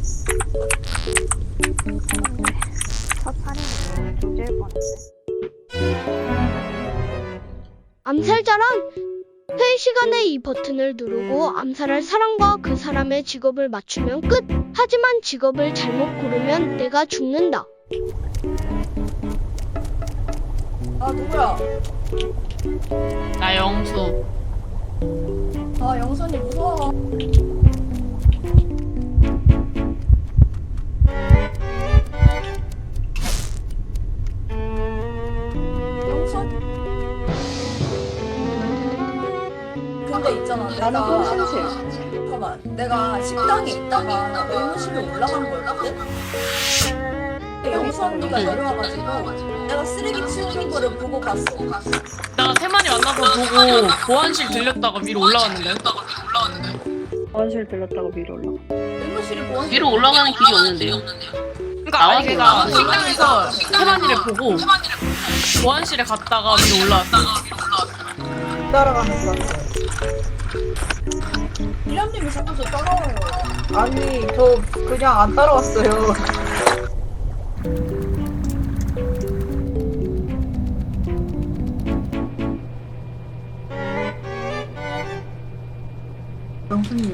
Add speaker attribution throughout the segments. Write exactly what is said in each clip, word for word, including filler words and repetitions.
Speaker 1: 첫 살인으로 조질 뻔했네.
Speaker 2: 암살자란 회의 시간에 이 버튼을 누르고 암살할 사람과 그 사람의 직업을 맞추면 끝. 하지만 직업을 잘못 고르면 내가 죽는다.
Speaker 3: 아 누구야?
Speaker 4: 나 영수.
Speaker 3: 아 영선이 무서워. 영선? 근데 있잖아.
Speaker 5: 나는
Speaker 3: 내가
Speaker 5: 혼신실.
Speaker 3: 잠깐만. 내가 식당에 있다가 의무실에 올라간 거였거든. 근데 영선이가 내려와가지고 내가 쓰레기 치우는 거를 보고 갔어.
Speaker 4: 나 세만이 만나서 보고 보안실 들렸다가 위로 올라왔는데.
Speaker 5: 원실 들렸다가 위로 올라가.
Speaker 3: 의무실에 보안.
Speaker 6: 위로 올라가는 길이 없는데요.
Speaker 4: 그러니까 아니 걔가 식당에서 세만이를 보고 보안실에 갔다가 위로 올라왔어.
Speaker 5: 따라가는 줄 알았어요.
Speaker 3: 일람님이 자꾸 저 따라와요.
Speaker 5: 아니, 저 그냥 안 따라왔어요. 영수님.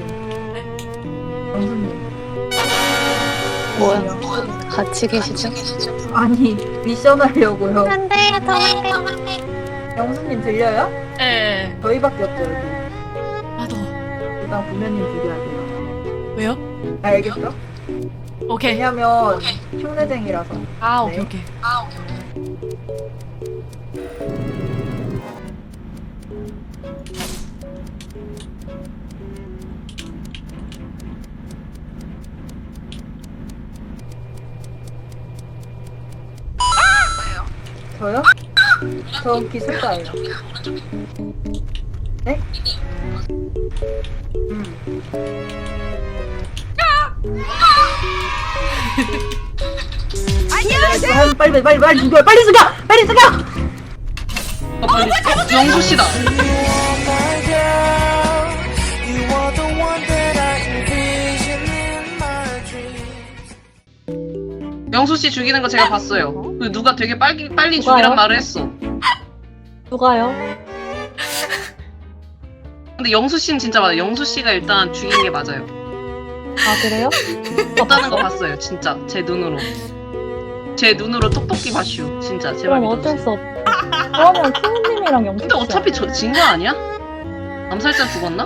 Speaker 5: 영수님.
Speaker 7: 뭐야? 같이 계시죠?
Speaker 5: 아니, 미션 하려고요.
Speaker 1: 안 돼요, 도망가요.
Speaker 5: 영수님 들려요?
Speaker 4: 예.
Speaker 5: 저희밖에 없죠, 여기.
Speaker 4: 나도.
Speaker 5: 일단 부모님 죽여야 돼요.
Speaker 4: 왜요?
Speaker 5: 알겠어?
Speaker 4: 오케이.
Speaker 5: 왜냐면 흉내쟁이라서.
Speaker 4: 아 오케이
Speaker 5: 네.
Speaker 4: 오케이.
Speaker 5: 저요? 저 기술자예요. 네? 음. 안녕하세요. 빨리 빨리 빨리 죽여 빨리 죽여 빨리 죽여.
Speaker 6: 아, 빨리. 어, 영수 씨다. 영수 씨 죽이는 거 제가 봤어요. 그 누가 되게 빨리 빨리
Speaker 7: 누가요?
Speaker 6: 죽이란 말을 했어.
Speaker 7: 누가요?
Speaker 6: 근데 영수 씨는 진짜 맞아요. 영수 씨가 일단 죽인 게 맞아요.
Speaker 7: 아 그래요?
Speaker 6: 없다는 거 봤어요. 진짜 제 눈으로. 제 눈으로 똑똑히 봤슈. 진짜 제발
Speaker 7: 그럼
Speaker 6: 믿어주세요.
Speaker 7: 어쩔 수 없. 그러면 큐님이랑 영수
Speaker 6: 근데 어차피 저 진 거 아니야? 암살자 죽었나?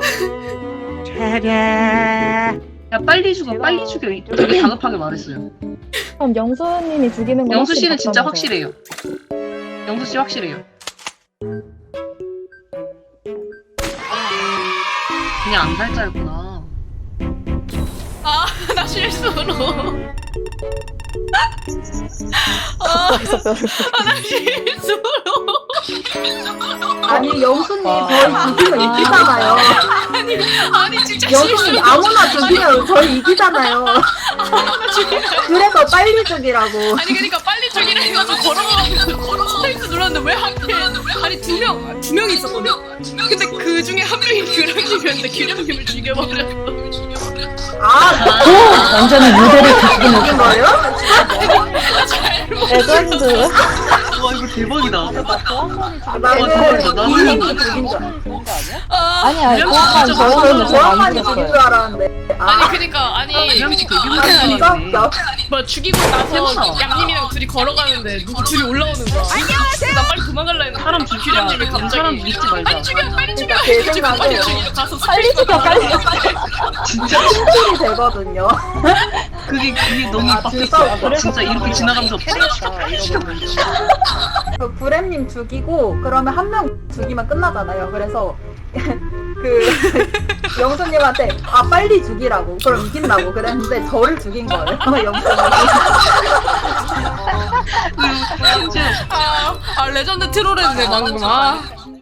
Speaker 6: 야 빨리 죽어 빨리 죽여 되게 다급하게 말했어요.
Speaker 7: 그럼 영수님이 죽이는 건
Speaker 6: 영수 씨는
Speaker 7: 확실히
Speaker 6: 진짜
Speaker 7: 봤다면서요?
Speaker 6: 확실해요. 영수 씨 확실해요. 그냥 암살자였구나.
Speaker 4: 아 나 실수로.
Speaker 7: 거기서 뼈를.
Speaker 4: 아 나 실수로.
Speaker 5: 아니 영수님 저희 죽이면 이기잖아요.
Speaker 4: 아니 아니 진짜
Speaker 5: 영수님
Speaker 4: 실수로.
Speaker 5: 아무나 죽이면 저희 이기잖아요.
Speaker 4: 나 죽이면.
Speaker 5: 그래서 빨리 죽이라고.
Speaker 4: 아니 그러니까 빨리 죽이라 해가지고 걸어가면서 걸어 스페이스 눌렀는데 왜 하필 아니 두명두 명이 있었거든. 근데 그 중에 한 명이 규령님이었는데 규령님을 죽여버렸어.
Speaker 5: 아,
Speaker 7: 완전히 무대를 뒤집는
Speaker 5: 죽인 거예요?
Speaker 7: 레전드.
Speaker 6: 와 이거 대박이다.
Speaker 5: 아,
Speaker 6: 나는-
Speaker 5: 나는
Speaker 6: 나는-
Speaker 5: 이님이 죽인 줄 알았어.
Speaker 4: 아,
Speaker 7: 아니야,
Speaker 6: 그냥
Speaker 7: 보안관
Speaker 6: 진짜
Speaker 7: 저였는데
Speaker 5: 저는
Speaker 7: 저안
Speaker 5: 보안관이 죽인
Speaker 7: 죽였어요.
Speaker 5: 줄 알았는데.
Speaker 4: 아니
Speaker 5: 아,
Speaker 4: 그니까 아니
Speaker 6: 그냥 되게
Speaker 5: 아 진짜
Speaker 6: 무서워.
Speaker 5: 웃겨.
Speaker 4: 뭐 죽이고 나서
Speaker 6: 대박.
Speaker 4: 양님이랑 둘이 걸어가는데 누구 둘이 올라오는 거야. 안녕하세요. 나 빨리 도망갈라 했는데
Speaker 6: 사람 죽이자.
Speaker 4: 규령님이 갑자기
Speaker 6: 사람 믿지 말자.
Speaker 4: 빨리 죽여 빨리 죽여.
Speaker 5: 그러니까 제
Speaker 4: 죽여
Speaker 5: 생각에
Speaker 4: 빨리 죽여 가서
Speaker 7: 빨리 죽여, 빨리 죽여.
Speaker 6: 진짜
Speaker 5: 팀킬이 되거든요.
Speaker 6: 그게 그게 너무
Speaker 5: 아, 진짜
Speaker 6: 빡셌어.
Speaker 5: 그래서
Speaker 6: 진짜 이렇게 지나가면서
Speaker 5: 그 브렘님 죽이고 그러면 한 명 죽이면 끝나잖아요. 그래서 그 영수님한테 아 빨리 죽이라고 그럼 이긴다고 그랬는데 저를 죽인 거예요. 영수님.
Speaker 6: 심지어
Speaker 4: 아, 아 레전드 트롤했네 방금. 아.